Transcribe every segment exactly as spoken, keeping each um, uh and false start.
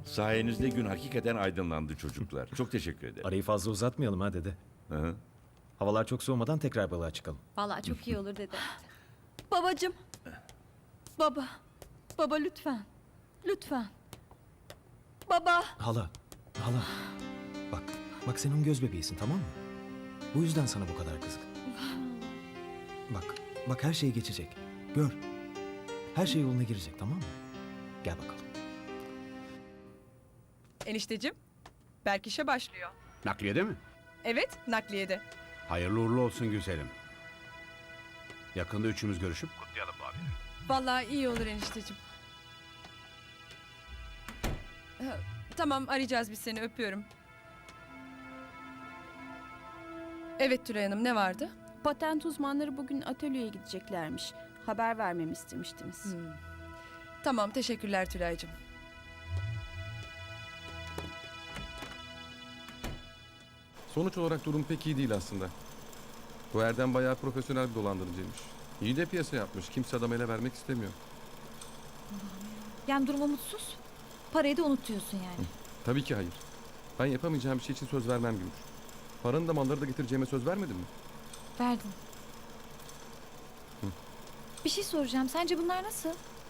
Sayenizde gün hakikaten aydınlandı çocuklar. Çok teşekkür ederim. Arayı fazla uzatmayalım ha dede. Hı hı. Havalar çok soğumadan tekrar balığa çıkalım. Vallahi çok iyi olur dede. Babacım. Baba. Baba lütfen. Lütfen. Baba. Hala, hala. Bak, bak sen onun göz bebeğisin, tamam mı? Bu yüzden sana bu kadar kızgın. Bak, bak her şey geçecek. Gör. Her şey yoluna girecek, tamam mı? Gel bakalım. Enişteciğim, Berk işe başlıyor. Nakliyede mi? Evet, nakliyede. Hayırlı uğurlu olsun güzelim. Yakında üçümüz görüşüp kutlayalım bu haberi. Vallahi iyi olur enişteciğim. Ha, Tamam, arayacağız biz seni, öpüyorum. Evet Tülay Hanım, ne vardı? Patent uzmanları bugün atölyeye gideceklermiş. Haber vermemi istemiştiniz. Hmm. Tamam, teşekkürler Tülay'cığım. Sonuç olarak durum pek iyi değil aslında. Bu Erdem bayağı profesyonel bir dolandırıcıymış. İyi de piyasa yapmış. Kimse adam ele vermek istemiyor. Yani durum umutsuz. Parayı da unutuyorsun yani. Tabii ki hayır. Ben yapamayacağım bir şey için söz vermem Gümüş. Paranı da malları da getireceğime söz vermedin mi? Verdin. Bir şey soracağım. Sence bunlar nasıl?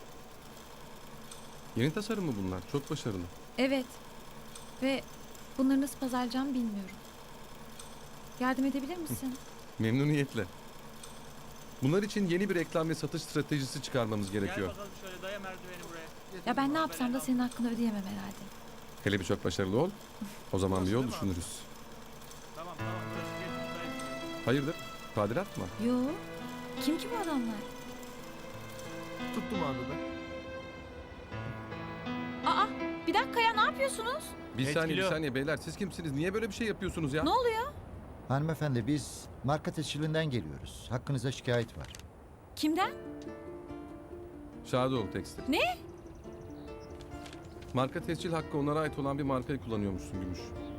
Yeni tasarım mı bunlar? Çok başarılı. Evet. Ve bunları nasıl pazarlayacağımı bilmiyorum. Yardım edebilir misin? Memnuniyetle. Bunlar için yeni bir reklam ve satış stratejisi çıkarmamız gerekiyor. Gel bakalım şöyle daya merdiveni buraya. Ya ben ne yapsam da senin hakkını ödeyemem herhalde. Hele bir çok başarılı ol. O zaman bir yol düşünürüz. Tamam tamam. Burası geç, buradayız. Hayırdır? Tadilat mı? Yo. Kim ki bu adamlar? Tuttum abi ben. Aa, bir dakika ya, ne yapıyorsunuz? Bir Evet, saniye bir geliyor. saniye beyler. Siz kimsiniz? Niye böyle bir şey yapıyorsunuz ya? Ne oluyor? Hanımefendi biz marka tescilinden geliyoruz. Hakkınızda şikayet var. Kimden? Şadoğlu Tekstil. Ne? Marka tescil hakkı onlara ait olan bir markayı kullanıyormuşsun Gümüş.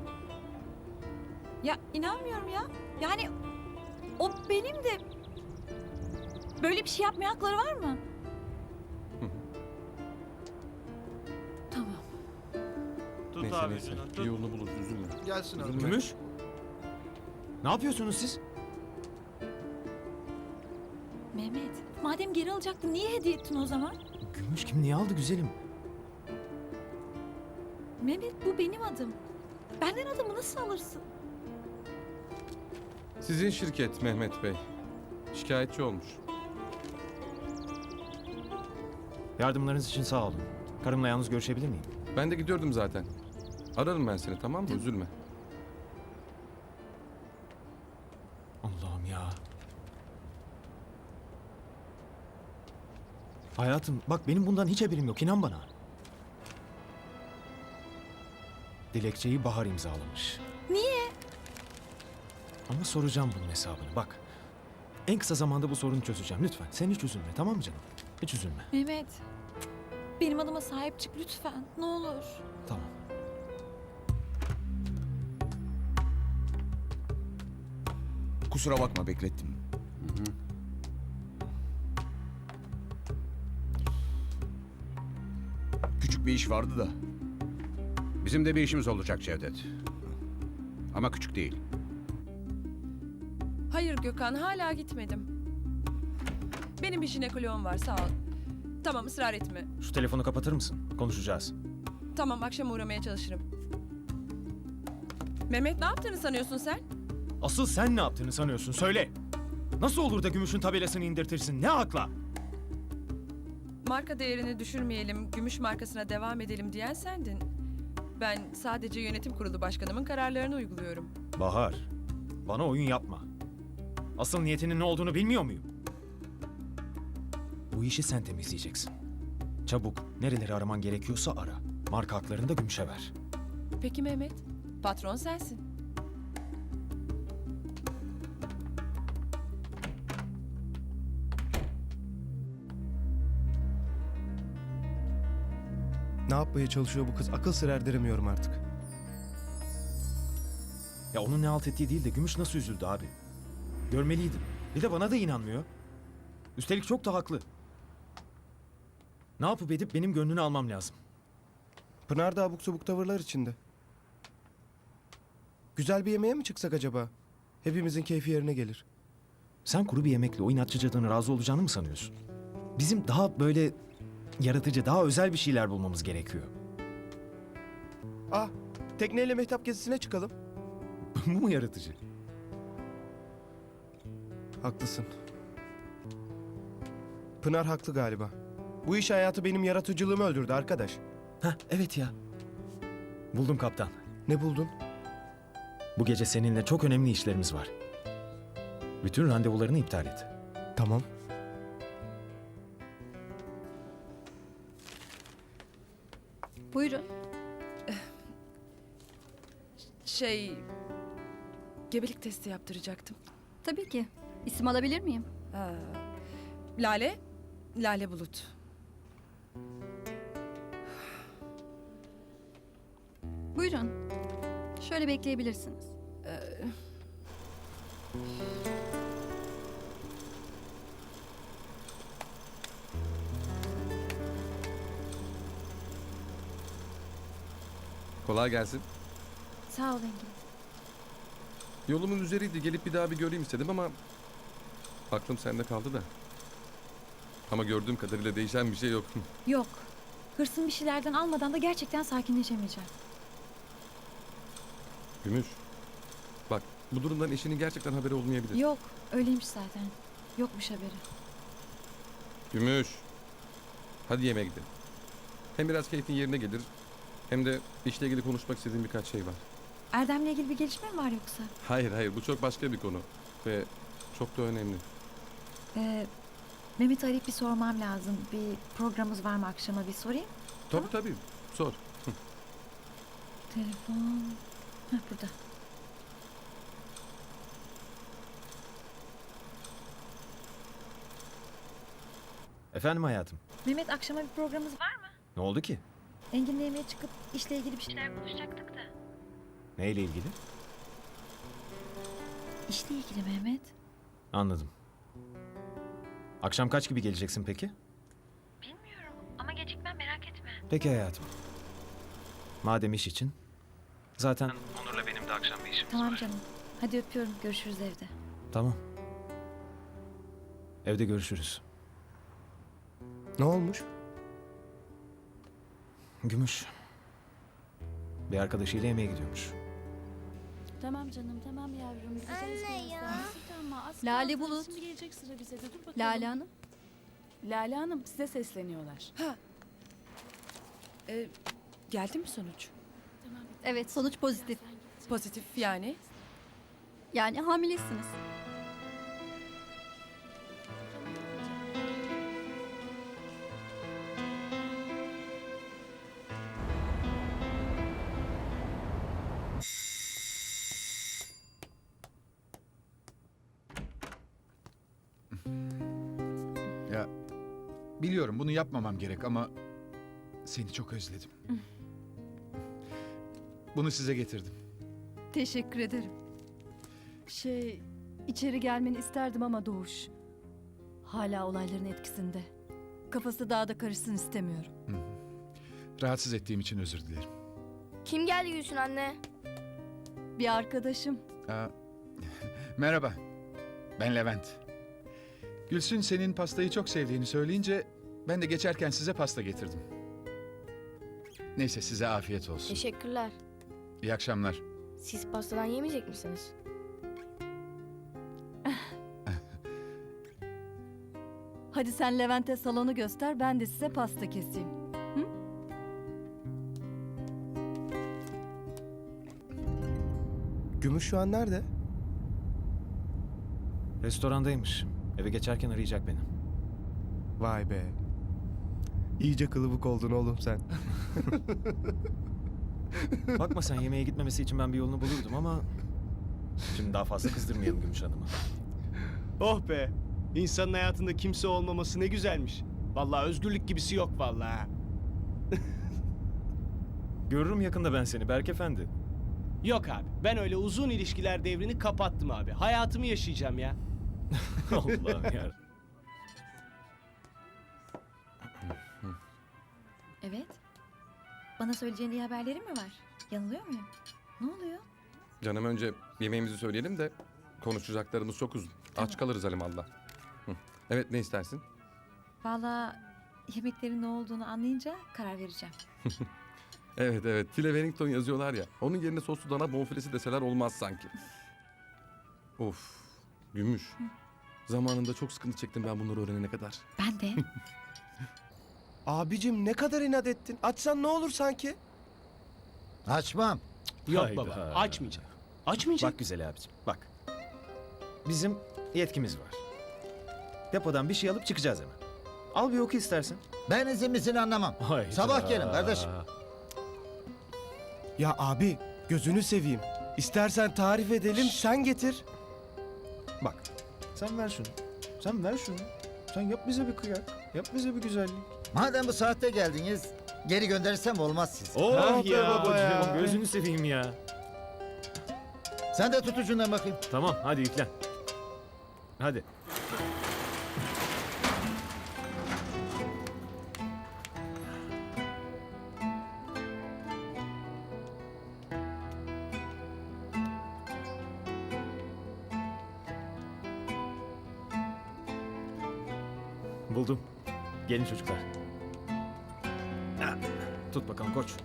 Ya inanmıyorum ya. Yani o benim de... Böyle bir şey yapmaya hakları var mı? Tamam. Tut Neyse abi neyse. ucundan, Bir tut. yolunu buluruz üzülme. Gelsin Üzülme. Gümüş. Ne yapıyorsunuz siz? Mehmet, madem geri alacaktın niye hediye ettin o zaman? Gümüş kim niye aldı güzelim? Mehmet, bu benim adım. Benden adımı nasıl alırsın? Sizin şirket Mehmet Bey. Şikayetçi olmuş. Yardımlarınız için sağ olun. Karımla yalnız görüşebilir miyim? Ben de gidiyordum zaten. Ararım ben seni, tamam mı? Üzülme. Allah'ım ya. Hayatım bak benim bundan hiç haberim yok, inan bana. Dilekçeyi Bahar imzalamış. Niye? Ama soracağım bunun hesabını bak. En kısa zamanda bu sorunu çözeceğim lütfen. Sen hiç üzülme, tamam mı canım? Hiç üzülme. Mehmet, benim adıma sahip çık lütfen. Ne olur. Tamam. Kusura bakma beklettim. Küçük bir iş vardı da. Bizim de bir işimiz olacak Cevdet. Ama küçük değil. Hayır Gökhan, hala gitmedim. Benim bir jinekoloğum var, sağ ol. Tamam, ısrar etme. Şu telefonu kapatır mısın? Konuşacağız. Tamam, akşam uğramaya çalışırım. Mehmet, ne yaptığını sanıyorsun sen? Asıl sen ne yaptığını sanıyorsun söyle. Nasıl olur da gümüşün tabelasını indirtirsin? Ne akla? Marka değerini düşürmeyelim, gümüş markasına devam edelim diyen sendin. Ben sadece yönetim kurulu başkanımın kararlarını uyguluyorum. Bahar, bana oyun yapma. Asıl niyetinin ne olduğunu bilmiyor muyum? Bu işi sen temizleyeceksin. Çabuk, nereleri araman gerekiyorsa ara. Marka haklarını da gümüşe ver. Peki Mehmet, patron sensin. Ne yapmaya çalışıyor bu kız? Akıl sır erdiremiyorum artık. Ya onun ne halt ettiği değil de gümüş nasıl üzüldü abi. Görmeliydim. Bir de bana da inanmıyor. Üstelik çok da haklı. Ne yapıp edip benim gönlünü almam lazım. Pınar da abuk sabuk tavırlar içinde. Güzel bir yemeğe mi çıksak acaba? Hepimizin keyfi yerine gelir. Sen kuru bir yemekle o inatçıcadan razı olacağını mı sanıyorsun? Bizim daha böyle yaratıcı, daha özel bir şeyler bulmamız gerekiyor. Ah, tekneyle mehtap gezisine çıkalım. Bu mu yaratıcı? Haklısın. Pınar haklı galiba. Bu iş hayatı benim yaratıcılığımı öldürdü arkadaş. Heh, evet ya. Buldum kaptan. Ne buldun? Bu gece seninle çok önemli işlerimiz var. Bütün randevularını iptal et. Tamam. Buyurun. Şey... Gebelik testi yaptıracaktım. Tabii ki. İsim alabilir miyim? Ha. Lale, Lale Bulut. Buyurun. Şöyle bekleyebilirsiniz. Kolay gelsin. Sağ ol Engin. Yolumun üzeriydi. Gelip bir daha bir göreyim istedim ama... aklım sende kaldı da. Ama gördüğüm kadarıyla değişen bir şey yok. Yok. Hırsın bir şeylerden almadan da gerçekten sakinleşemeyeceğim. Gümüş. Bak bu durumdan eşinin gerçekten haberi olmayabilir. Yok. Öyleymiş zaten. Yokmuş haberi. Gümüş. Hadi yemeğe gidelim. Hem biraz keyfin yerine gelir. Hem de işle ilgili konuşmak istediğim birkaç şey var. Erdem'le ilgili bir gelişme mi var yoksa? Hayır hayır bu çok başka bir konu. Ve çok da önemli. Ee, Mehmet'i arayıp bir sormam lazım. Bir programımız var mı akşama bir sorayım. Tabii tabii. Sor. Telefon... Heh, burada. Efendim hayatım. Mehmet akşama bir programımız var mı? Ne oldu ki? Engin'le yemeğe çıkıp işle ilgili bir şeyler konuşacaktık da. Neyle ilgili? İşle ilgili Mehmet. Anladım. Akşam kaç gibi geleceksin peki? Bilmiyorum ama gecikmem merak etme. Peki hayatım. Madem iş için. Zaten Onur'la benim de akşam bir işimiz Tamam var. canım. Hadi öpüyorum. Görüşürüz evde. Tamam. Evde görüşürüz. Ne olmuş? Gümüş. Bir arkadaşıyla yemeğe gidiyormuş. Tamam canım tamam yavrum. Anne ya. Lale Bulut. Şimdi gelecek sıra bize de dur bakalım. Lale Hanım. Lale Hanım size sesleniyorlar. Ee, geldi mi sonuç? Evet sonuç pozitif. Pozitif yani. Yani hamilesiniz. Ya biliyorum bunu yapmamam gerek ama seni çok özledim. Bunu size getirdim. Teşekkür ederim. Şey, içeri gelmeni isterdim ama Doğuş. Hala olayların etkisinde. Kafası daha da karışsın istemiyorum. Rahatsız ettiğim için özür dilerim. Kim geldi Gülsün anne? Bir arkadaşım. Aa, merhaba. Ben Levent. Gülsün senin pastayı çok sevdiğini söyleyince ben de geçerken size pasta getirdim. Neyse size afiyet olsun. Teşekkürler. İyi akşamlar. Siz pastadan yemeyecek misiniz? Hadi sen Levent'e salonu göster, ben de size pasta keseyim. Hı? Gümüş şu an nerede? Restorandaymış. Eve geçerken arayacak beni. Vay be. İyice kılıbık oldun oğlum sen. Bakma sen yemeğe gitmemesi için ben bir yolunu bulurdum ama... Şimdi daha fazla kızdırmayalım Gümüş Hanım'ı. Oh be. İnsanın hayatında kimse olmaması ne güzelmiş. Vallahi özgürlük gibisi yok vallahi. Görürüm yakında ben seni Berk Efendi. Yok abi. Ben öyle uzun ilişkiler devrini kapattım abi. Hayatımı yaşayacağım ya. Allah'ım ya. Evet. Bana söyleyeceğin iyi haberlerin mi var? Yanılıyor muyum? Ne oluyor? Canım önce yemeğimizi söyleyelim de konuşacaklarımız çok uzun. Aç kalırız alimallah. Hı. Evet ne istersin? Vallahi yemeklerin ne olduğunu anlayınca karar vereceğim. Evet evet file Wellington yazıyorlar ya. Onun yerine soslu dana bonfilesi deseler olmaz sanki. Of Gümüş. Zamanında çok sıkıntı çektim ben bunları öğrenene kadar. Ben de. Abicim ne kadar inat ettin. Açsan ne olur sanki? Açmam. Yok Hayda. baba açmayacağım. Açmayacağım. Bak güzel abicim bak. Bizim yetkimiz var. Depodan bir şey alıp çıkacağız hemen. Al bir oku istersen. Ben izinlisini anlamam. Hayda. Sabah gelin kardeşim. Ya abi gözünü seveyim. İstersen tarif edelim sen getir. Bak sen ver şunu. Sen ver şunu. Sen yap bize bir kıyak. Yap bize bir güzellik. Madem bu saatte geldiniz, geri gönderirsem olmaz siz. Oh be babacığım, gözünü seveyim ya. Sen de tut ucundan bakayım. Tamam hadi yüklen. Hadi. Buldum. Gelin çocuklar. Ha, tut bakalım koç.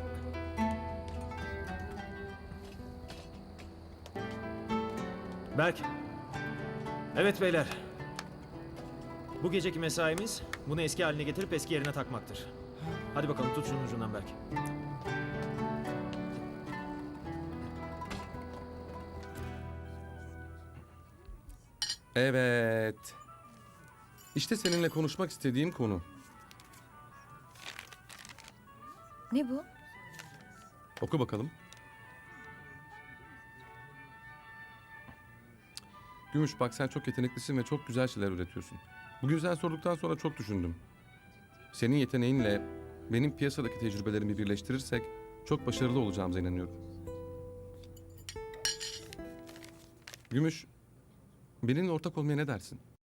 Berk. Evet beyler. Bu geceki mesaimiz bunu eski haline getirip eski yerine takmaktır. Hadi bakalım tut şunun ucundan Berk. Evet. İşte seninle konuşmak istediğim konu. Ne bu? Oku bakalım. Gümüş bak sen çok yeteneklisin ve çok güzel şeyler üretiyorsun. Bugün sen sorduktan sonra çok düşündüm. Senin yeteneğinle benim piyasadaki tecrübelerimi birleştirirsek çok başarılı olacağımıza inanıyorum. Gümüş, benimle ortak olmaya ne dersin?